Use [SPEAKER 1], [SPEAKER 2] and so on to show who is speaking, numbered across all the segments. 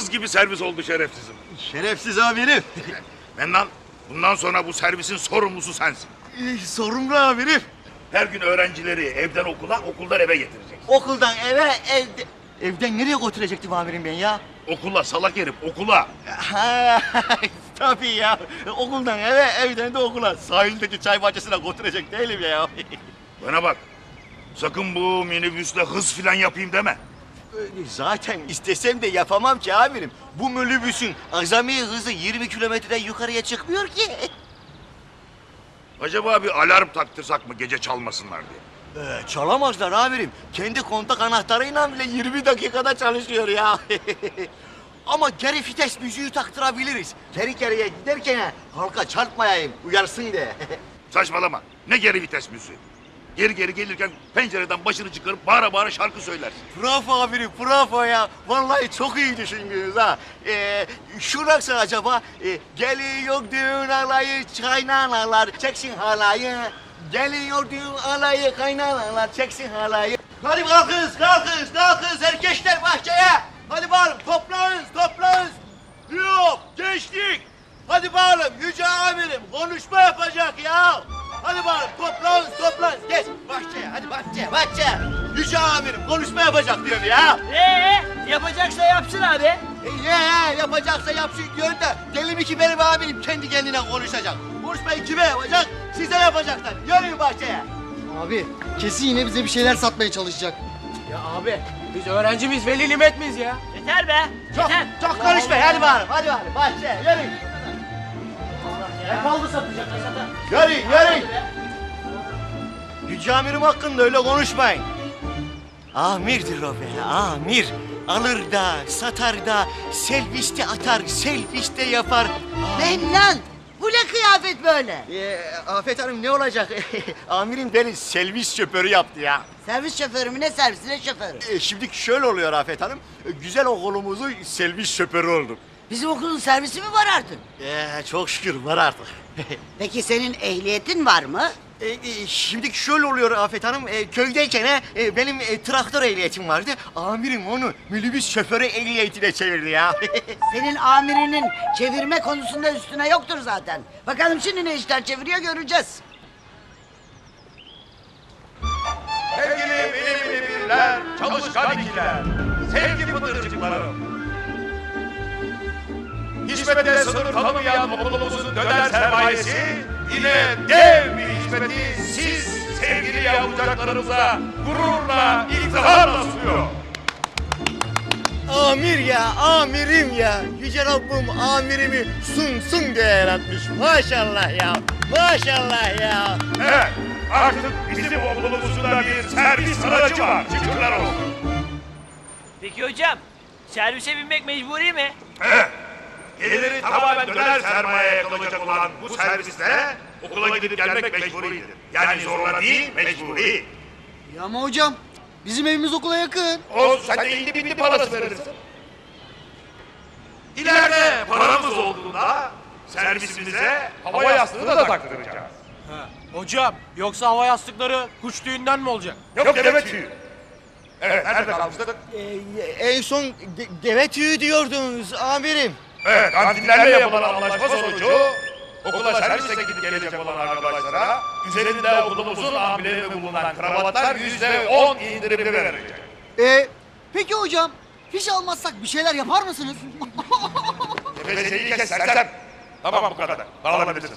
[SPEAKER 1] Kız gibi servis oldu şerefsizim.
[SPEAKER 2] Şerefsiz amirim.
[SPEAKER 1] Mennan, bundan sonra bu servisin sorumlusu sensin.
[SPEAKER 2] Sorumlu amirim.
[SPEAKER 1] Her gün öğrencileri evden okula, okuldan eve getireceksin.
[SPEAKER 2] Okuldan eve, evden nereye götürecektim amirim ben ya?
[SPEAKER 1] Okula salak herif, okula.
[SPEAKER 2] Ha, tabii ya. Okuldan eve, evden de okula. Sahildeki çay bahçesine götürecek değilim ya.
[SPEAKER 1] Bana bak, sakın bu minibüsle hız filan yapayım deme.
[SPEAKER 2] Zaten istesem de yapamam ki amirim. Bu minibüsün azami hızı 20 kilometreden yukarıya çıkmıyor ki.
[SPEAKER 1] Acaba bir alarm taktırsak mı gece çalmasınlar diye?
[SPEAKER 2] Çalamazlar amirim. Kendi kontak anahtarıyla bile 20 dakikada çalışıyor ya. Ama geri vites müziği taktırabiliriz. Geri geriye giderken halka çarpmayayım, uyarsın diye.
[SPEAKER 1] Saçmalama, ne geri vites müziği? Geri geri gelirken pencereden başını çıkarıp bağıra bağıra şarkı söylersin.
[SPEAKER 2] Bravo amirim, bravo ya. Vallahi çok iyi düşündünüz ha. Şu nasıl acaba? Geliyor düğün alayı, kaynanalar çeksin halayı. Geliyor düğün alayı, kaynanalar çeksin halayı. Hadi kalkınız, kalkınız, kalkınız erkeşler bahçeye. Hadi bağırın, toplanın. Yok, gençlik. Hadi bağırın, yüce amirim konuşma yapacak ya. Hadi bağırın, toplanın. Geç bahçeye, hadi bahçeye. Yüce amirim konuşma yapacak diyorum ya.
[SPEAKER 3] Yapacaksa yapsın abi.
[SPEAKER 2] Yapacaksa yapsın diyor da deli mi ki benim amirim kendi kendine konuşacak. Konuşmayı kime yapacak? Size yapacaklar. Yürüyün bahçeye.
[SPEAKER 4] Abi kesin yine bize bir şeyler satmaya çalışacak.
[SPEAKER 3] Ya abi biz öğrenci miyiz, veli nimet miyiz ya? Yeter be. Yeter.
[SPEAKER 2] Çok konuşma. Hadi bağırın, bahçeye yürüyün.
[SPEAKER 3] Ne kaldı satacak sata?
[SPEAKER 2] Yürüyün. Yüce amirim hakkında öyle konuşmayın. Amirdir o be, amir. Alır da, satar da, serviste atar, serviste yapar.
[SPEAKER 5] Mennan! Bu ne kıyafet böyle?
[SPEAKER 2] Afet Hanım ne olacak? Amirim beni servis şoförü yaptı ya.
[SPEAKER 5] Servis şoförü mü ne servisi ne şoförü?
[SPEAKER 2] Şimdi şöyle oluyor Afet Hanım. Güzel okulumuzun servis şoförü oldum.
[SPEAKER 5] Bizim okulun servisi mi var artık?
[SPEAKER 2] Çok şükür var artık.
[SPEAKER 5] Peki senin ehliyetin var mı?
[SPEAKER 2] Şimdi şöyle oluyor Afet Hanım. Köydeyken benim traktör ehliyetim vardı. Amirim onu minibüs şoförü ehliyetine çevirdi ya.
[SPEAKER 5] Senin amirinin çevirme konusunda üstüne yoktur zaten. Bakalım şimdi ne işler çeviriyor göreceğiz.
[SPEAKER 1] Sevgili bilimli birler, çalışkan ikiler, sevgi pıtırcıklarım. Hizmette sınır tanımayan okulumuzun döner sermayesi yine dev bir hizmeti siz sevgili yavrucaklarımıza gururla, iftiharla sunuyor.
[SPEAKER 2] Amir ya, amirim ya. Yüce Rabbim amirimi sunsun diye yaratmış. Maşallah ya, maşallah ya.
[SPEAKER 1] Evet, artık bizim okulumuzun da bir servis aracı var. Şükürler olsun.
[SPEAKER 3] Peki hocam, servise binmek mecburi mi?
[SPEAKER 1] Evet. Geliri tamamen döner sermayeye kalacak olan bu servisle okula gidip gelmek mecburidir. Yani zorla değil, mecburi.
[SPEAKER 4] Ya ama hocam bizim evimiz okula yakın.
[SPEAKER 1] Olsun, sen de indi bindi parası verirsin. İleride paramız olduğunda servisimize hava yastığı da taktıracağız.
[SPEAKER 6] Hocam, yoksa hava yastıkları kuş tüyünden mi olacak?
[SPEAKER 1] Yok deve tüyü. Evet, nerede kalmıştık?
[SPEAKER 2] En son deve tüyü diyordunuz amirim.
[SPEAKER 1] Evet, kantinlerle yapılan anlaşma sonucu okula servise gidip gelecek olan arkadaşlara üzerinde okulumuzun amblemi bulunan kravatlar %10 indirimli verecek.
[SPEAKER 4] Peki hocam fiş almazsak bir şeyler yapar mısınız?
[SPEAKER 1] Gevezeyi kes sersem. Tamam bu kadar. Dağılabilirsiniz.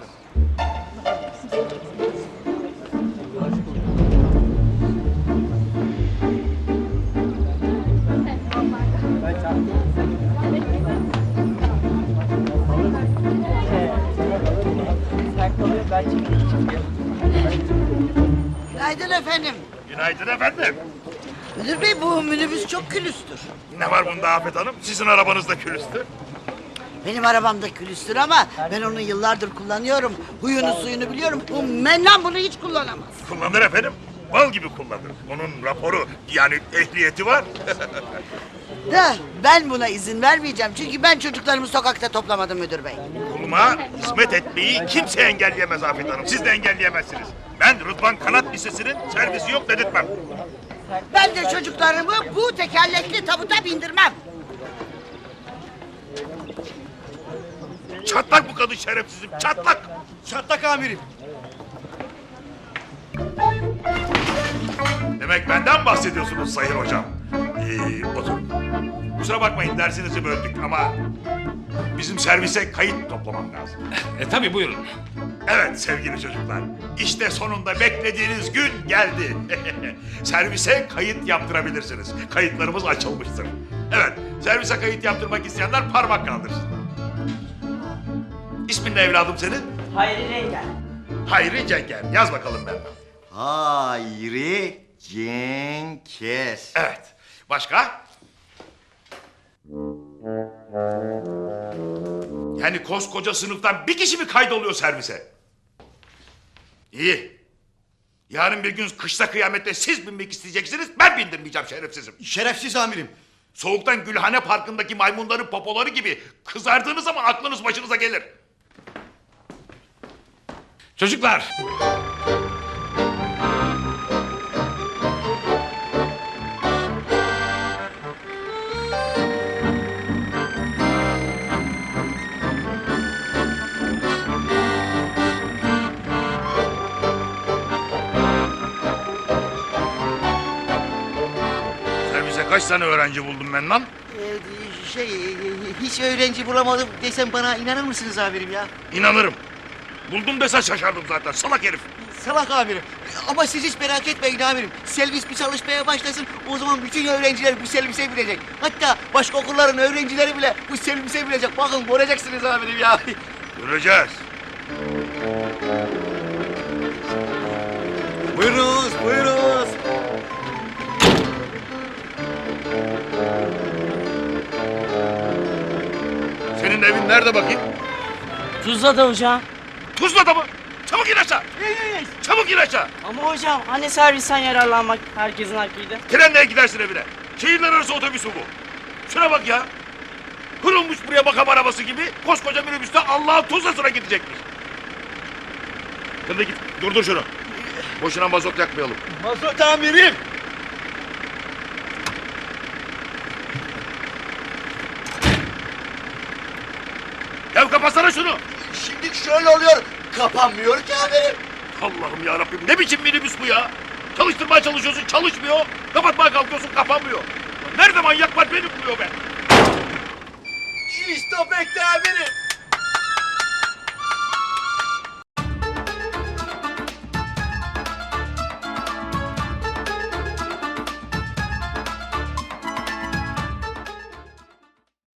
[SPEAKER 5] Günaydın efendim.
[SPEAKER 1] Günaydın efendim.
[SPEAKER 5] Müdür bey bu minibüs çok külüstür.
[SPEAKER 1] Ne var bunda Afet Hanım? Sizin arabanız da külüstü.
[SPEAKER 5] Benim arabam da külüstür ama ben onu yıllardır kullanıyorum. Huyunu suyunu biliyorum. Bu Mennan bunu hiç kullanamaz.
[SPEAKER 1] Kullanır efendim. Bal gibi kullanır. Onun raporu yani ehliyeti var.
[SPEAKER 5] Da ben buna izin vermeyeceğim. Çünkü ben çocuklarımı sokakta toplamadım müdür bey.
[SPEAKER 1] Kuluma hizmet etmeyi kimse engelleyemez Afet Hanım. Siz de engelleyemezsiniz. Ben Rıdvan Kanat Lisesi'nin servisi yok dedirtmem.
[SPEAKER 5] Ben de çocuklarımı bu tekerlekli tabuta bindirmem.
[SPEAKER 1] Çatlak bu kadın şerefsizim, çatlak.
[SPEAKER 2] Çatlak amirim.
[SPEAKER 1] Demek benden bahsediyorsunuz sayın hocam. Oturun. Kusura bakmayın dersinizi böldük ama bizim servise kayıt toplamam lazım.
[SPEAKER 7] Tabii buyurun.
[SPEAKER 1] Evet sevgili çocuklar, işte sonunda beklediğiniz gün geldi. Servise kayıt yaptırabilirsiniz. Kayıtlarımız açılmıştır. Evet, servise kayıt yaptırmak isteyenler parmak kaldırsın. İsmin ne evladım senin?
[SPEAKER 3] Hayri Rengen.
[SPEAKER 1] Hayri Cenger. Yaz bakalım ben.
[SPEAKER 2] Hayri Cenkes.
[SPEAKER 1] Evet. Başka? Yani koskoca sınıftan bir kişi mi kaydoluyor servise? İyi. Yarın bir gün kışta kıyamette siz binmek isteyeceksiniz, ben bindirmeyeceğim şerefsizim.
[SPEAKER 2] Şerefsiz amirim.
[SPEAKER 1] Soğuktan Gülhane Parkı'ndaki maymunların popoları gibi kızardığınız zaman aklınız başınıza gelir.
[SPEAKER 7] Çocuklar.
[SPEAKER 1] Servise kaç tane öğrenci buldum ben lan?
[SPEAKER 2] Hiç öğrenci bulamadım desem bana inanır mısınız amirim ya?
[SPEAKER 1] İnanırım. Buldum desen şaşardım zaten, salak herif.
[SPEAKER 2] Salak amirim. Ama siz hiç merak etmeyin amirim. Servis bir çalışmaya başlasın, o zaman bütün öğrenciler bu servise binecek. Hatta başka okulların öğrencileri bile bu servise binecek. Bakın göreceksiniz amirim ya.
[SPEAKER 1] Göreceğiz.
[SPEAKER 2] Buyurunuz, buyurunuz.
[SPEAKER 1] Senin evin nerede bakayım?
[SPEAKER 3] Tuzla'da hocam.
[SPEAKER 1] Tuzla'da mı? Çabuk in aşağı. Çabuk in aşağı.
[SPEAKER 3] Ama hocam hani servisten yararlanmak herkesin hakkıydı.
[SPEAKER 1] Trenle gidersin evine. Şehirler arası otobüsü bu. Şuna bak ya. Kurulmuş buraya makam arabası gibi koskoca minibüste Allah'ın Tuzla'sına gidecekmiş. Hadi git durdur şunu. Boşuna mazot yakmayalım.
[SPEAKER 2] Mazot amirim.
[SPEAKER 1] Ya kapatsana şunu.
[SPEAKER 2] Şimdi şöyle oluyor. Kapanmıyor ki amirim.
[SPEAKER 1] Allah'ım ya Rabbim ne biçim minibüs bu ya? Çalıştırmaya çalışıyorsun çalışmıyor. Kapatmaya kalkıyorsun kapanmıyor. Nerede manyak var beni buluyor be.
[SPEAKER 2] İşte bekle amirim.